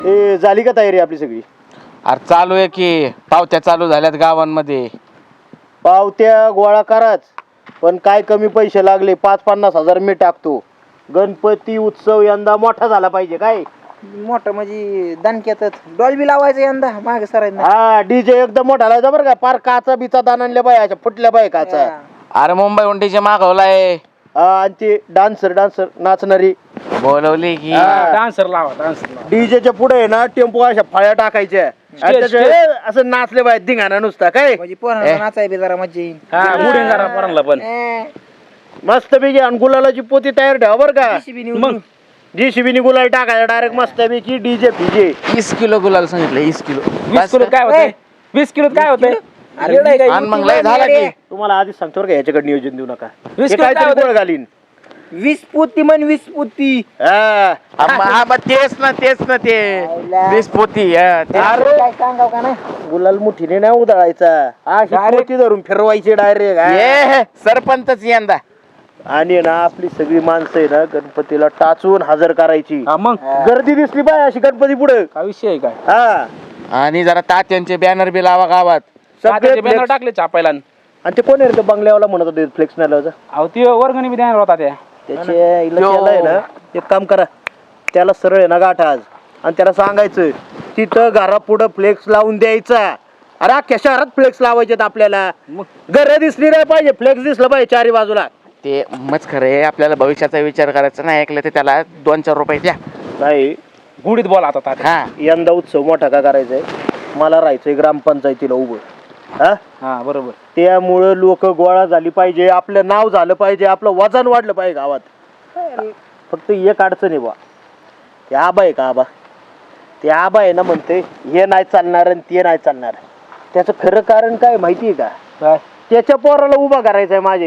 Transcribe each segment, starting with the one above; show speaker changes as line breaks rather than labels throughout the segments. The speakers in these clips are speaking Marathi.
ए झाली का तयारी आपली सगळी?
अरे चालू आहे की पावत्या चालू झाल्यात गावांमध्ये.
पावत्या गोळा कराच, पण काय कमी पैसे लागले 5-50 हजार मी टाकतो. गणपती उत्सव यंदा मोठा झाला पाहिजे. काय
मोठं म्हणजे दणक्यातच डॉल्बी लावायचं यंदा मागे सरायचं.
हा डीजे एकदम मोठा लावायचा बरं का. पार काचा बिचा दान आणल्या बाय, अशा फुटल्या बाय काचा.
अरे मुंबई उंटीचे मागवलाय.
आणि ते डान्सर नाचणारी
बोलवली की
डान्सर लावा.
डीजेच्या पुढे आहे ना टेम्पो अशा फळ्या टाकायच्या आणि त्याच्या असं नाचले बाय धिंगाणा नुसता. काय
म्हणजे पोरांना नाचाय बी जरा मज्जा येईल.
मुडे जरा पोरांना पण
मस्त पैकी. आणि गुलालाची पोती तयार ठेवा बरं का.
मग
JCB गुलाल टाकायचा डायरेक्ट मस्त पैकी. डीजे
20 किलो गुलाल सांगितलं. 20 किलो
20 किलो काय होतंय? 20 किलो काय होतंय?
आणि मग लय झाला की
तुम्हाला आधीच सांगतो बरं का, याच्याकडे नियोजन देऊ नका.
20
हे
किलो काय
काहीतरी
होतंय?
गोळ घालीन.
20 पोती म्हण 20 पोती.
हा.
हा बा तेच ना ते 20 पोती.
काय सांगाव का नाही.
गुलाल मुठीने नाही उधळायचा, अशी पोती धरून फिरवायची डायरेक्ट.
सरपंचच यंदा.
आणि ना आपली सगळी माणसं आहे ना गणपतीला टाचून हजर करायची.
मग
गर्दी दिसली पाय अशी गणपती पुढे.
काय विषय आहे काय?
हा.
आणि जरा तात्यांचे बॅनर बी लावा गावात.
तात्याचे बॅनर टाकले छापायला.
आणि ते कोण आहे रे ते बंगल्यावाला म्हणत होते फ्लेक्स नाही लावायचा?
अहो ती वर्गणी बी देणार होता त्या.
त्याचे इलाज आहे ना, एक काम करा, त्याला सरळ आहे ना गाठा आज आणि त्याला सांगायचं तिथं घरापुढं फ्लेक्स लावून द्यायचा. अरे अख्ख्या शहरात फ्लेक्स लावायचे आपल्याला. घर दिसली नाही पाहिजे, फ्लेक्स दिसलं पाहिजे चारी बाजूला.
ते मच खरं आहे. आपल्याला भविष्याचा विचार करायचा नाही. ऐकलं तर त्याला 2-4 रुपये द्या.
नाही
गुढीत बोला आता तात्या.
हा
यंदा उत्सव मोठा का करायचाय? मला राहायचंय ग्रामपंचायतीला उभं.
हा बरोबर.
त्यामुळं लोक गोळा झाली पाहिजे, आपलं नाव झालं पाहिजे, आपलं वजन वाढलं पाहिजे गावात. फक्त एक अडचण आहे बा, ते आबा आहे का आबा, ते आबा आहे ना म्हणते हे नाही चालणार आणि ते नाही चालणार. त्याचं खरं कारण काय माहिती आहे का?
काय?
त्याच्या पोराला उभा करायचंय माझ्या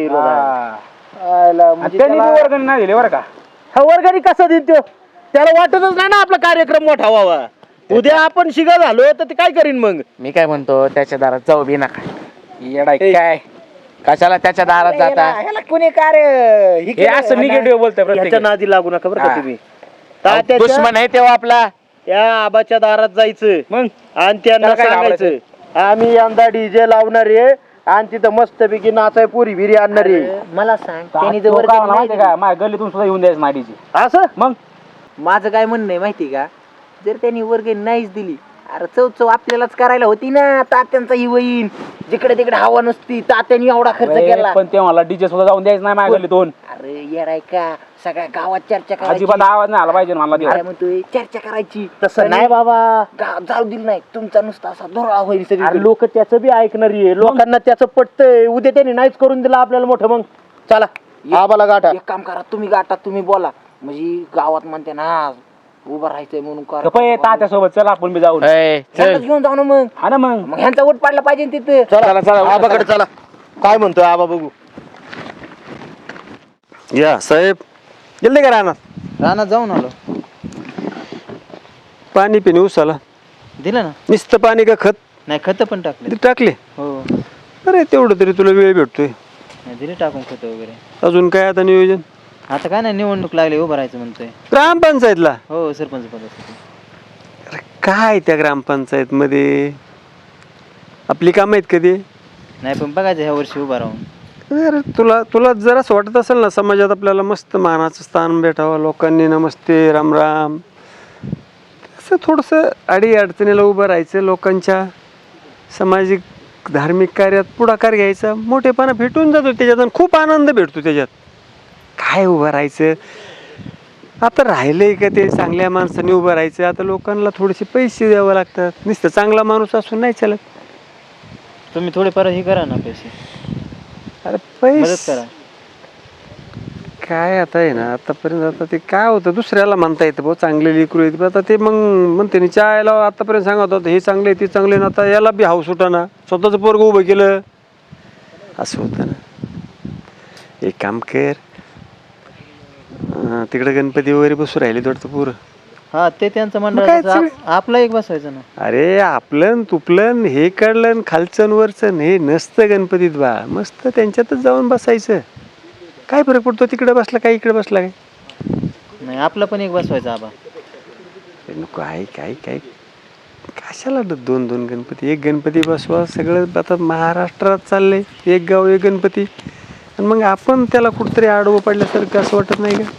आणि त्यांनी बी वर्गणी नाही दिली बरं का.
हा वर्गाने कसा देईल तो? त्याला वाटतच नाही ना आपला कार्यक्रम मोठा व्हावा. उद्या आपण शिगा झालो तर ते काय करीन मग?
मी काय म्हणतो त्याच्या दारात जाऊ बी नका.
येडाय काय
कशाला त्याच्या दारात जाता?
ह्याला कोणी कार्य
हे असं निगेटिव्ह बोलतोय
याच्या
प्रत्येक.
नादी लागू नका बरं का
हा.
तुम्ही.
दुश्मन आहे तेव्हा आपला.
त्या आबाच्या दारात जायचं
मग
आणि त्यांना
त्याला काय
सांगायचं आम्ही यंदा डीजे लावणार आहे आणि तिथं मस्तपैकी नाचाय पुरी बिरी आणणार आहे.
मला सांग त्यांनी जर
तो
वर्गणी
काय
नाही
माहिती का, माझ्या गल्लीतून सुद्धा येऊन द्यायचं माडीची.
असं
मग
दिली, माझं काय म्हणणं आहे माहिती का, जर त्यांनी वर्गणी नाहीच दिली, अरे चव आपल्यालाच करायला होती ना. तात्यांचा ही वहीन जिकडे तिकडे हवा नसती, तात्यांनी एवढा खर्च केला.
पण ते मला डीजे सुद्धा जाऊन द्यायचं नाही माझ्या गल्लीतून.
अरे येराय का, सगळ्या गावात चर्चा करायची.
अजिबात आवाज नाही आला पाहिजे मला
अरे म्हणतोय चर्चा करायची.
तसं नाही बाबा.
जाऊ दिलं नाही, तुमचा नुसता असा धोरा होईल
अरे
सगळी.
लोक त्याचं बी ऐकणार आहे, लोकांना त्याचं पटतंय. उद्या त्यांनी नाहीच करून दिलं आपल्याला मोठं. मग चला आबाला गाठा.
एक काम करा, तुम्ही गाठात तुम्ही बोला, म्हणजे गावात म्हणते ना उभं राहायचंय म्हणून करा.
गप्पा तात्या सोबत चला आपण बी जाऊन.
ह्यांनाच घेऊन जाऊ ना मग.
हा ना मग.
मग ह्यांचा वोट पाडला पाहिजे ना तिथं.
चला चला आबाकडे चला. काय म्हणतोय आबा बघू.
या साहेब जल्दी करा ना.
रानात जाऊन आलो.
पाणी पिणे उसाला
दिलं ना.
नुसतं पाणी का खत
नाही खत पण टाकले.
टाकले?
हो
अरे तेवढं तरी तुला वेळ भेटतोय.
दिले टाकून खत वगैरे.
अजून काय आता नियोजन?
आता काय नाही, निवडणूक लागली, उभं राहायचं म्हणतोय.
ग्रामपंचायतला?
हो सरपंच पदासाठी.
अरे काय त्या ग्रामपंचायत मध्ये आपली कामं आहेत कधी?
नाही पण बघायचं ह्या वर्षी उभा राहून.
अरे तुला तुला जराच वाटत असेल ना समाजात आपल्याला मस्त मानाचं स्थान भेटावं, लोकांनी नमस्ते राम राम, असं थोडंसं अडी अडचणीला उभं राहायचं, लोकांच्या सामाजिक धार्मिक कार्यात पुढाकार घ्यायचा, मोठेपणा भेटून जातो त्याच्यात आणि खूप आनंद भेटतो त्याच्यात. काय उभं राहायचं? आता राहिलंय का ते चांगल्या माणसाने उभं राहायचं? आता लोकांना थोडेसे पैसे द्यावे लागतात. नुसतं चांगला माणूस असून नाही चालत.
तुम्ही थोडेफार हे करा ना, पैसे
अरे
मदत
पैसे
करा.
काय आता आहे ना, आतापर्यंत आता ते काय होतं दुसऱ्याला म्हणता येतं भाऊ चांगले लेकरू आहेत, आता ते मग म्हणते ना चायला आतापर्यंत सांगत होतं हे चांगले ते चांगले ना, आता याला बी हाऊस ना स्वतःचं पोरग उभं केलं असं होतं ना. एक काम कर, तिकडे गणपती वगैरे बसू राहिले वाटतं पोरं.
हा ते त्यांचं
मग
मंडळ,
काय
आपलं एक बसवायचं ना.
अरे आपलं तुपलं हे काढलं खालचं वरचं हे नसतं गणपतीत बा, मस्त त्यांच्यातच जाऊन बसायचं. काय फरक पडतो तिकडे बसला काय इकडे बसला काय?
नाही आपलं पण एक बसवायचं आबा.
नको आहे काय काय कशाला दोन दोन गणपती, एक गणपती बसवा. सगळं आता महाराष्ट्रात चाललंय एक गाव एक गणपती, आणि मग आपण त्याला कुठतरी आडवं पडल्यासारखं असं वाटत नाही का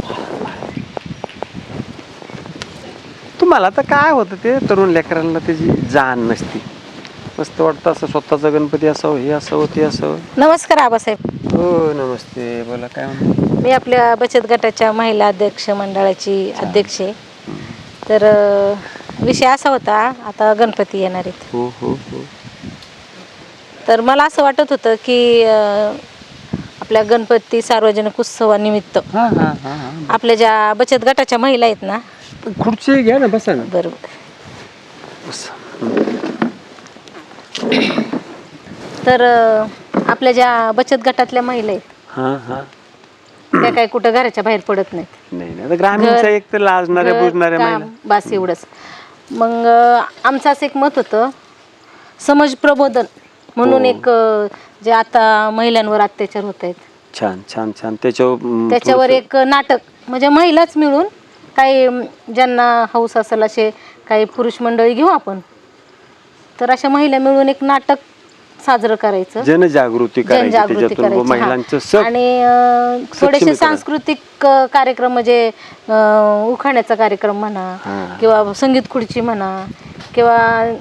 तुम्हाला? आता काय होतं ते तरुण लेकरांना त्याची जाण नसती. मस्त वाटतं असं स्वतःचा गणपती असावं, हे असावं ते असावं.
नमस्कार आबासाहेब.
हो नमस्ते, बोला काय म्हणतो.
मी आपल्या बचत गटाच्या महिला अध्यक्ष मंडळाची अध्यक्ष आहे. तर विषय असा होता, आता गणपती येणार आहेत.
हो हो हो.
तर मला असं वाटत होतं की आपल्या गणपती सार्वजनिक उत्सवानिमित्त
हां हां हां हां.
आपल्या ज्या बचत गटाच्या महिला आहेत ना,
खुर्ची घ्या ना, बसा ना.
बरोबर,
बस.
तर आपल्या ज्या बचत गटातल्या महिला आहेत
हां हां.
त्या काही कुठं घराच्या बाहेर पडत नाहीत.
नाही नाही, ग्रामीणचा एक तर लाजणाऱ्या बुजणाऱ्या
काम,
महिला.
बस एवढंच. मग आमचं असं एक मत होतं, समाज प्रबोधन म्हणून एक जे आता महिलांवर अत्याचार होत आहेत
छान छान छान, त्याच्यावर
एक नाटक, म्हणजे महिलाच मिळून काही ज्यांना हौस असेल असे काही पुरुष मंडळी घेऊ आपण, तर अशा महिला मिळून एक नाटक साजरं करायचं,
जनजागृती करायची, त्याच्यातून महिलांचं सब
आणि थोडेसे सांस्कृतिक कार्यक्रम, म्हणजे उखाण्याचा कार्यक्रम म्हणा किंवा संगीत खुर्ची म्हणा किंवा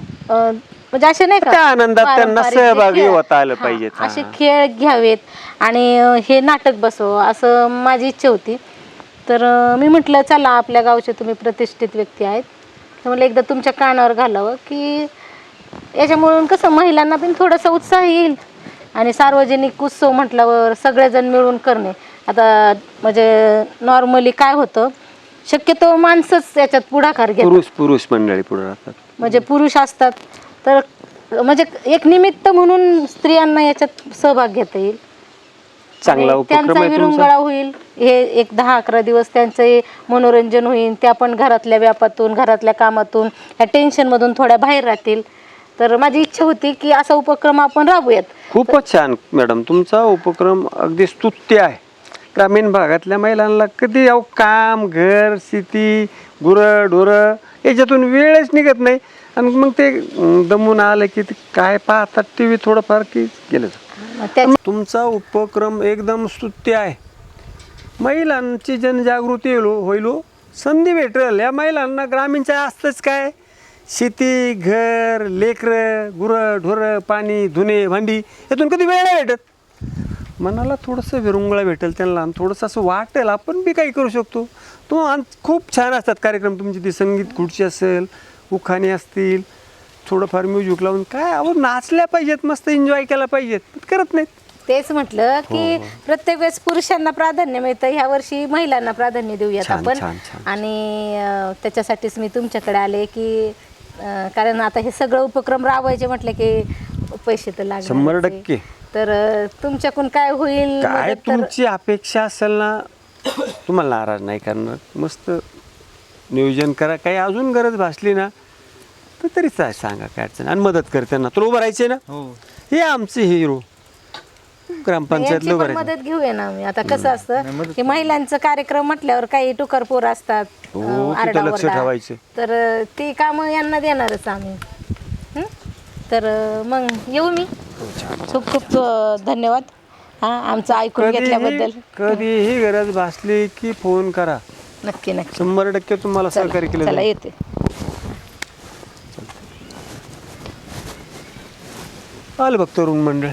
म्हणजे असे नाही
त्या
का
आनंदात त्यांना
पारंपरिक जे
सहभागी
खेळ,
होता आलं
हां,
पाहिजे.
असे खेळ घ्यावेत आणि हे नाटक बसव असं माझी इच्छा होती. तर मी म्हटलं चला, आपल्या गावचे तुम्ही प्रतिष्ठित व्यक्ती आहेत, तर मला एकदा तुमच्या कानावर घालावं की याच्यामुळून कसं महिलांना पण थोडासा उत्साह येईल, आणि सार्वजनिक उत्सव म्हटल्यावर सगळेजण मिळून करणे. आता म्हणजे नॉर्मली काय होतं, शक्यतो माणसंच याच्यात पुढाकार घेतात,
पुरुष मंडळी पुढे राहतात,
म्हणजे पुरुष असतात. तर म्हणजे एक निमित्त म्हणून स्त्रियांना याच्यात सहभाग घेता येईल,
चांगला
आणि
उपक्रम
त्यांचा
आहे तुमचा.
विरंगुळा होईल. हे एक 10-11 दिवस त्यांचं मनोरंजन होईल, त्या पण घरातल्या व्यापातून, घरातल्या कामातून, ह्या टेन्शनमधून थोड्या बाहेर राहतील. तर माझी इच्छा होती की असा उपक्रम आपण राबूयात.
खूपच छान मॅडम, तुमचा उपक्रम अगदी स्तुत्य आहे. ग्रामीण भागातल्या महिलांना कधी काम, घर, शेती, गुरं ढोरं याच्यातून वेळच निघत नाही, आणि मग ते दमून आलं की ते काय पाहतात TV थोडंफार की गेलं. तुमचा उपक्रम एकदम स्तुत्य आहे. महिलांची जनजागृती होईल, संधी भेटेल या महिलांना. ग्रामीणच्या असतंच काय, शेती, घर, लेकरं, गुरं ढोरं, पाणी, धुणे, भांडी, यातून कधी वेळ नाही भेटत. मनाला थोडंसं विरंगुळा भेटेल त्यांना, आणि थोडंसं असं वाटेल आपण बी काही करू शकतो. खूप छान असतात कार्यक्रम तुमची. ती संगीत खुर्ची असेल, उखाणे असतील, थोडंफार म्युझिक लावून काय आवड, नाचल्या पाहिजेत, मस्त एन्जॉय केला पाहिजेत, पण करत नाहीत.
तेच म्हटलं की प्रत्येक वेळेस पुरुषांना प्राधान्य मिळतं, ह्या वर्षी महिलांना प्राधान्य देऊयात आपण. आणि त्याच्यासाठीच मी तुमच्याकडे आले की कारण आता हे सगळं उपक्रम राबवायचे म्हटलं की पैसे तर लागणार.
100%.
तर तुमच्याकडून काय होईल,
काय तुमची अपेक्षा असेल ना, तुम्हाला नाराज नाही करणार. मस्त नियोजन करा, काही अजून गरज भासली ना तर तरीच आहे, सांगा काय अडचण, आणि मदत करते ना. तुला उभं राहायचे ना, हे आमचे हिरो ग्रामपंचायतला उभं राहायचं.
मदत घेऊया ना आम्ही. आता कसं असतं की महिलांचं कार्यक्रम म्हटल्यावर काही टुकार पोर असतात,
तिथं लक्ष ठेवायचं.
तर ती कामं यांना देणारच आम्ही. तर मग येऊ मी. खूप खूप धन्यवाद आमचं ऐकून घेतल्याबद्दल.
कधीही गरज भासली की फोन करा,
नक्की नक्की.
100% तुम्हाला सहकार्य केलं
चला
जाईल.
येते.
आलं बघ तरुण मंडळ.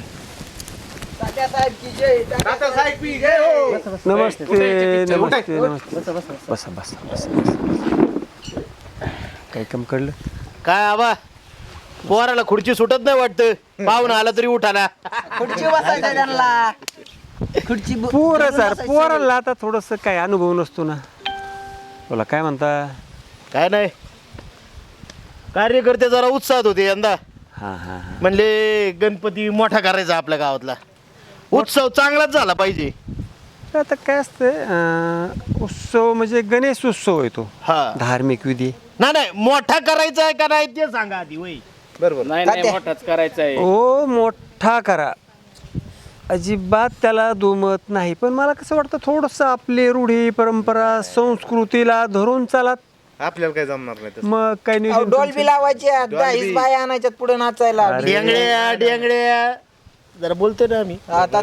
नमस्ते नमस्ते नमस्ते. बसा बसा बसा. काय काम कळलं
काय आबा, पोराला खुर्ची सुटत नाही वाटतं, पाहुणा आला तरी उठाना.
खुर्ची बसायचं त्यांना, खुर्ची
पोरं सर, पोराला आता थोडस काय अनुभव नसतो ना. बोला काय म्हणता.
काय नाही, कार्यकर्ते जरा उत्साहात होते यंदा.
हां हां हां.
म्हणले गणपती मोठा करायचा आपल्या गावातला, उत्सव चांगलाच झाला पाहिजे.
आता काय असतं, उत्सव म्हणजे गणेश उत्सव येतो,
हा,
धार्मिक विधी.
नाही मोठा करायचा आहे का नाही ते सांगा आधी. वय
बरोबर, नाही मोठाच करायचा आहे.
ओ मोठा करा, अजिबात त्याला दुमत नाही. पण मला कसं वाटतं, थोडंसं आपली रूढी परंपरा संस्कृतीला धरून चालत
आपल्याला काय जमणार नाही तसं.
मग काय नाही
डॉल्बी लावायच्या 10 बाया आणायच्यात पुढे नाचायला.
डेंगड्या डेंगड्या जरा बोलतोय ना आम्ही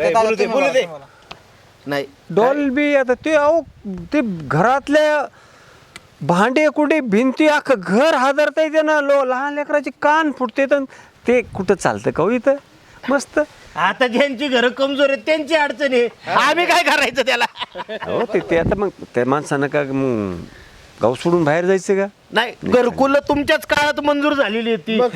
नाही
डॉल्बी आता ते अहो ते घरातल्या भांडे कुठे भिंती अख्खं घर हादरता येते ना लहान लेकराचे कान फुटते तर ते कुठं चालतं का हो इथं मस्त.
आता ज्यांची घरं कमजोर आहेत त्यांची अडचण आहे, आम्ही काय करायचं त्याला.
हो ते आता मग त्या माणसानं का मग गाव सोडून बाहेर जायचं का?
नाही घरकुल तुमच्याच काळात मंजूर झालेली आहे ती.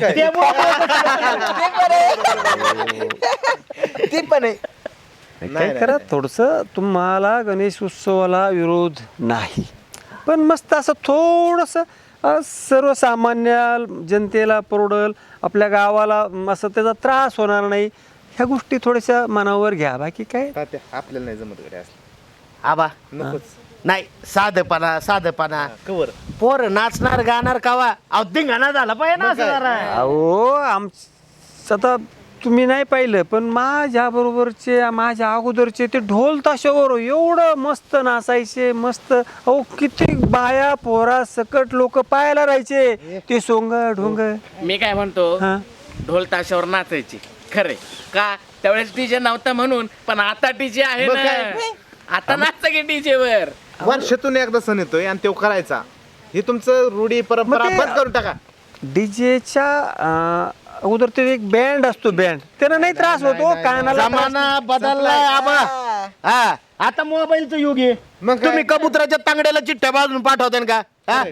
ती पण आहे.
काय करा थोडंसं तुम्हाला गणेश उत्सवाला विरोध नाही, पण मस्त असं थोडंसं सर्वसामान्य जनतेला परवडल, आपल्या गावाला असं त्याचा त्रास होणार नाही, ह्या गोष्टी थोड्याशा मनावर घ्या. बाकी काय
तात्या, आपल्याला नाही जमत गड्या असलं.
आबा
नकोच.
नाही साधेपणा
कवर
पोर नाचणार गाणार कावा अहो धिंगाणा झाला पाहिजे ना असं जरा.
अहो आता तुम्ही नाही पाहिलं पण माझ्या बरोबरचे माझ्या अगोदरचे ते ढोल ताशावर एवढं मस्त नाचायचे मस्त. अहो किती बाया पोरा सकट लोक पाहायला राहायचे ते सोंग ढोंग.
मी काय म्हणतो
हा
ढोल ताशावर नाचायची खरे का त्यावेळेस डीजे नव्हता म्हणून, पण आता डीजे आहे
मग
ना.
काय?
आता नाचता की डीजे वर.
वर्षातून एकदा सण येतोय आणि तो करायचा. हे तुमचं रूढी परंपरा
मग ते-
बंद करून टाका.
डीजेच्या अगोदर ते एक बँड असतो, बँड त्यानं नाही त्रास होतो कानाला.
जमाना बदललाय आबा. हा आता मोबाईलचं युग आहे.
मग काय?
तुम्ही कबुतराच्या तांगड्याला चिठ्ठ्या बाजून पाठवताय का? हा?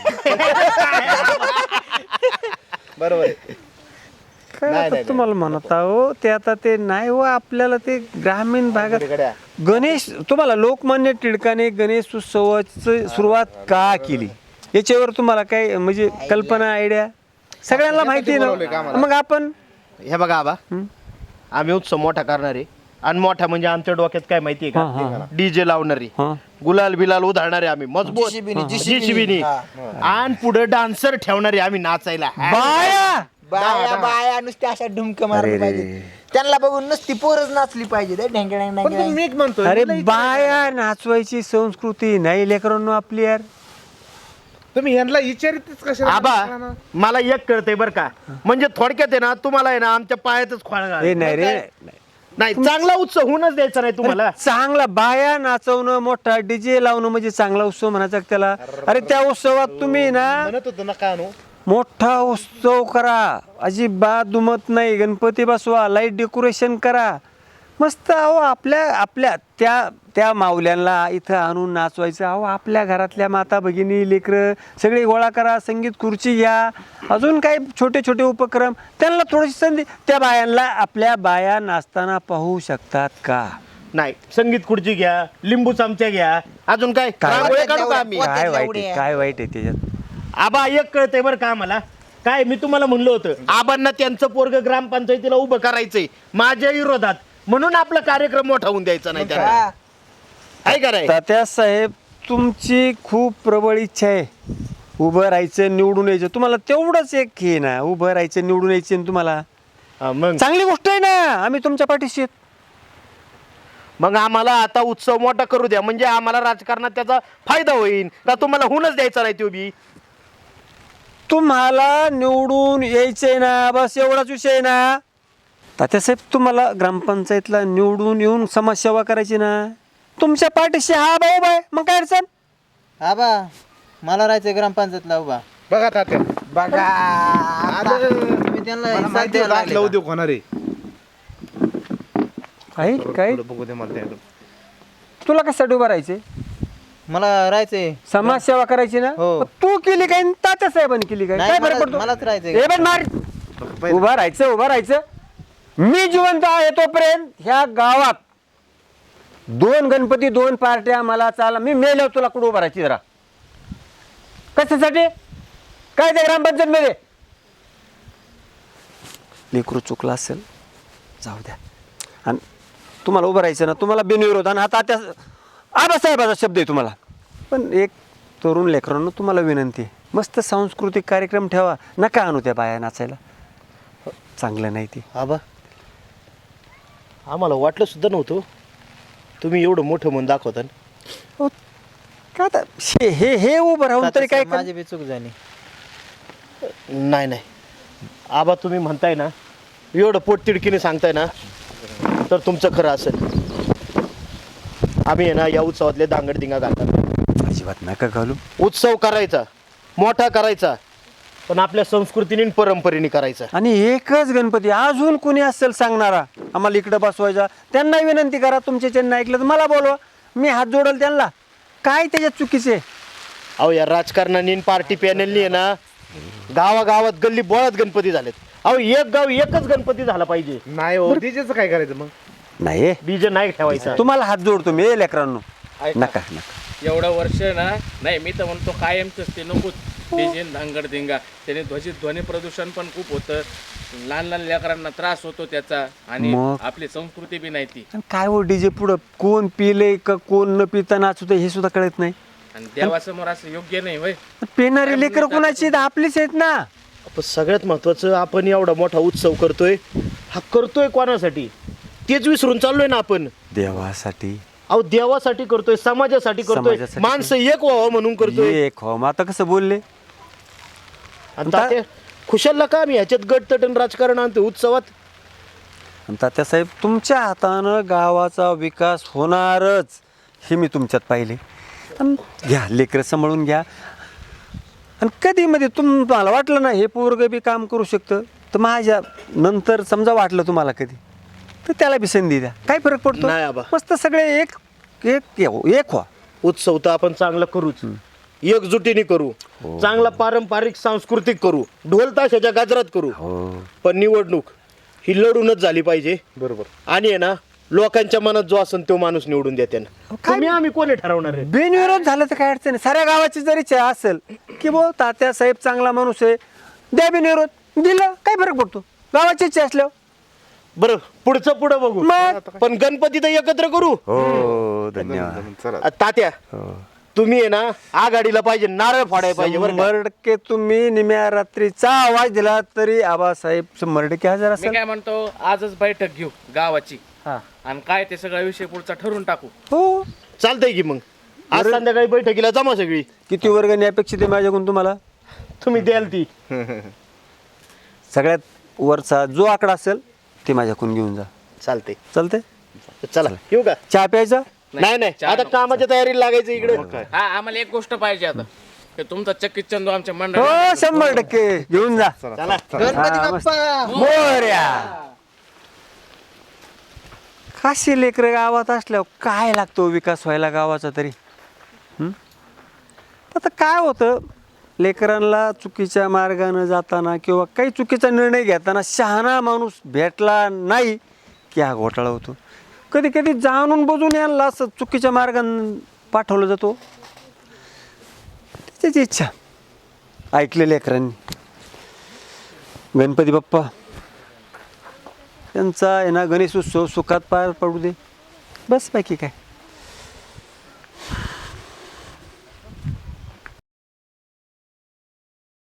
बरोबर आहे.
काय आता तुम्हाला म्हणत आहो ते आता ते नाही हो आपल्याला ते ग्रामीण भागात.
गड्या.
गणेश तुम्हाला लोकमान्य टिळकाने गणेश उत्सवाची सुरुवात का केली याच्यावर तुम्हाला काय म्हणजे कल्पना आयडिया सगळ्यांना माहिती आहे
बोलवलंय का
ना.
आम्हाला?
मग आपण
हे बघा आबा आम्ही उत्सव मोठा करणार आहे आणि मोठा म्हणजे आमच्या डोक्यात काय माहितीये
हा, हा,
का डीजे लावणारी
हा.
गुलाल बिलाल उधळणारे आम्ही मजबूत JCB आणि पुढे डान्सर ठेवणारे आम्ही नाचायला.
बाया
बाया नुसत्या अशा ढुमक मारली पाहिजे, त्यांना बघून नुसती पोरच नाचली पाहिजे.
पण मी एक म्हणतोय
अरे बाया नाचवायची संस्कृती नाही लेकरांनो आपली यार.
तुम्ही यांना विचारितच कशाला?
आबा मला एक कळतंय बरं का, म्हणजे थोडक्यात आहे ना तुम्हाला आहे ना आमच्या पायातच खोळ
हे नाही रे
नाही चांगला उत्सव होऊनच द्यायचा नाही तुम्हाला.
चांगला बाया नाचवणं मोठा डीजे लावणं म्हणजे चांगला उत्सव म्हणायचा का त्याला? अरे त्या उत्सवात तुम्ही ना
म्हणत होतो नका आणू.
मोठा उत्सव करा, अजिबात दुमत नाही, गणपती बसवा, लाईट डेकोरेशन करा मस्त. अहो आपल्या त्या माऊल्यांना इथं आणून नाचवायचं. अहो आपल्या घरातल्या माता भगिनी लेकरं सगळे गोळा करा, संगीत खुर्ची घ्या, अजून काही छोटे छोटे उपक्रम त्यांना थोडीशी संधी. त्या बायांना आपल्या बाया नाचताना पाहू शकतात का?
नाही संगीत खुर्ची घ्या, लिंबू चमच्या घ्या, अजून काय रांगोळ्या काढू का आम्ही?
काय वाईट आहे काय वाईट आहे त्याच्यात?
आबा एक कळतंय बरं का आम्हाला काय मी तुम्हाला म्हणलं होतं आबांना त्यांचं पोरग ग्रामपंचायतीला उभं करायचंय माझ्या विरोधात, म्हणून आपला कार्यक्रम मोठा होऊन द्यायचा नाही त्याला. काय करायचं
तात्या साहेब तुमची खूप प्रबळ इच्छा आहे उभं राहायचं निवडून यायचं. तुम्हाला तेवढंच एक हे ना उभं राहायचं निवडून यायचं तुम्हाला.
मग
चांगली गोष्ट आहे ना, आम्ही तुमच्या पाठीशी आहेत.
मग आम्हाला आता उत्सव मोठा करू द्या, म्हणजे आम्हाला राजकारणात त्याचा फायदा होईल का तुम्हाला होऊनच द्यायचा नाही तो बी.
तुम्हाला निवडून यायचंय ना, बस एवढाच विषय आहे ना. तात्यासाहेब तुम्हाला ग्रामपंचायतला निवडून येऊन समाजसेवा करायची ना, तुमच्या पाठीशी हा भाऊ बाय, मग काय अडचण?
आबा मला राहायचंय ग्रामपंचायतला उभा.
बघा तात्या
बघा
मला
त्यांना
माहिती होतं असलं उद्योग होणार आहे.
काय
थोडं बघू दे मला त्याकडं.
तुला कशासाठी उभं राहायचंय?
मला राहायचंय.
समाजसेवा करायची ना.
हो.
मग तू केली काय आणि तात्यासाहेबांनी केली काय?
नाही,
काय फरक
मला-
पडतो?
मलाच राहायचंय.
हे बघ मार उभा राहायचं. मी जिवंत आहे तोपर्यंत ह्या गावात 2 गणपती 2 पार्ट्या मला चाला. मी मेल्यावर तुला कुठं उभा राहायची जरा कशासाठी? काय ते ग्रामपंचायत मध्ये लेकरू चुकला असेल जाऊ द्या. आणि तुम्हाला उभं राहायचं ना, तुम्हाला बिनविरोध. आणि आता त्या आबासाहेबाचा शब्द आहे तुम्हाला. पण एक तरुण लेकरांनो तुम्हाला विनंती आहे, मस्त सांस्कृतिक कार्यक्रम ठेवा, नका आणू त्या बाया नाचायला, चांगलं नाही ते.
आबा आम्हाला वाटलं सुद्धा नव्हतं तुम्ही एवढं मोठं म्हणून दाखवता.
हो, का आता हे उभं राहून तरी काय
माझी बी चूक झाली.
नाही नाही आबा, तुम्ही म्हणताय ना, एवढं पोटतिडकीने सांगताय ना, तर तुमचं खरं असेल. आम्ही आहे ना या उत्सवातले दांगडदिंगा घालतात.
अजिबात नका घालू.
उत्सव करायचा, मोठा करायचा, पण आपल्या संस्कृतीने आणि परंपरेने करायचा.
आणि एकच गणपती, अजून कोणी असेल सांगणारा आम्हाला इकडं बसवायचा, त्यांना विनंती करा. तुमचे चेन ऐकलं तर मला बोलवा, मी हात जोडल त्यांना. काय त्याच्यात चुकीचे?
अहो या राजकारणाने पार्टी पॅनलनी आहे ना गावागावात गल्ली बोळात गणपती झालेत. अहो एक गाव एकच गणपती झाला पाहिजे.
नाही हो, डीजेचं काय करायचं मग?
नाही
डीजे नाही ठेवायचा.
तुम्हाला हात जोडतो मी लेकरांनो. नका नका.
एवढं वर्ष ना, नाही मी तर म्हणतो कायमच ते नकोच डीजे धांगडधिंगा. त्याने ध्वनी प्रदूषण पण खूप होतं, लहान लहान लेकरांना त्रास होतो त्याचा, आणि
मग?
आपली संस्कृती बी नाही ती.
आणि काय हो डीजे पुढं कोण पिले का कोण न पिता नाचत हे सुद्धा कळत नाही.
आणि देवासमोर असं योग्य नाही होय.
पेणारे लेकर कोणाची आहेत? आपलीच आहेत ना.
पण सगळ्यात महत्वाचं, आपण एवढा मोठा उत्सव करतोय, हा करतोय कोणासाठी तेच विसरून चाललोय ना आपण.
देवासाठी.
अहो देवासाठी करतोय, समाजासाठी करतोय,
समाजासाठी.
माणसं एक व्हावं म्हणून करतोय.
एक हो, मग आता कसं बोलले?
आणि तात्या, खुशालला का आम्ही ह्याच्यात गटतटन राजकारण आणतो उत्सवात?
आणि तात्यासाहेब, तुमच्या हातानं गावाचा विकास होणारच हे मी तुमच्यात पाहिले. आणि घ्या लेकरं सांभाळून घ्या. आणि कधी मध्ये तुम्हाला वाटलं ना हे पोरग बी काम करू शकतं, तर माझ्या नंतर समजा वाटलं तुम्हाला कधी, तर त्याला बी संधी द्या. काय फरक पडतो?
नाही आबा.
मस्त सगळे एक एक एक व्हा.
उत्सव तर आपण चांगला करूच, एकजुटीने करू, चांगला पारंपरिक सांस्कृतिक करू, ढोल ताशाच्या गाजरात करू. पण निवडणूक ही लढूनच झाली पाहिजे.
बरोबर.
आणि आहे ना लोकांच्या मनात जो असेल तो माणूस निवडून देते ना. तुम्ही आम्ही कोणी ठरवणार आहे?
बिनविरोध झालं तर काय अडचण नाही. साऱ्या गावाची जरी इच्छा असेल की बो तात्यासाहेब चांगला माणूस आहे, द्या बिनविरोध, दिलं काय फरक पडतो? गावाची इच्छा असल्यावर.
बरं, पुढचं पुढं बघू.
मग?
पण गणपती तर एकत्र करू.
हो धन्यवाद.
चला.
तात्या, तुम्ही आहे ना आघाडीला पाहिजे, नारळ फोडायला पाहिजे बरं का?
100% तुम्ही निम्या रात्रीचा आवाज दिला तरी आबासाहेब 100% हजर
मी
असेल.
काय म्हणतो, आजच बैठक घेऊ गावाची,
हा.
आणि काय ते सगळा विषय पुढचा ठरवून टाकू.
हो.
चालतंय की मग आज संध्याकाळी बैठकीला जमा सगळी.
किती वर्गणी अपेक्षित आहे माझ्याकडून तुम्हाला?
तुम्ही द्याल ती.
सगळ्यात वरचा जो आकडा असेल ते माझ्याकडून घेऊन जा.
चालतंय.
चालते?
चला येऊ का?
चहा प्यायचा?
नाही नाही,
चहा
आता
नको.
कामाच्या तयारीला लागायचं इकडे.
हा, आम्हाला एक गोष्ट पाहिजे आता, की तुमचा चक्कीत चंदू आमच्या
हो
मंडळात
100% घेऊन जा.
चला.
हा, मस्त. मोरया. काशी लेकर गावात असल्यावर काय लागतो विकास व्हायला गावाचा तरी? आता काय होतं, लेकरांना चुकीच्या मार्गानं जाताना किंवा काही चुकीचा निर्णय घेताना शहाणा माणूस भेटला नाही की हा घोटाळा होतो. कधी कधी जाणून बुजून यांना असं चुकीच्या मार्गानं पाठवलं जातो. त्याची इच्छा ऐकले लेकरांनी. गणपती बाप्पा त्यांचा आहे ना गणेश उत्सव सुखात पार पडू दे, बस बाकी काय.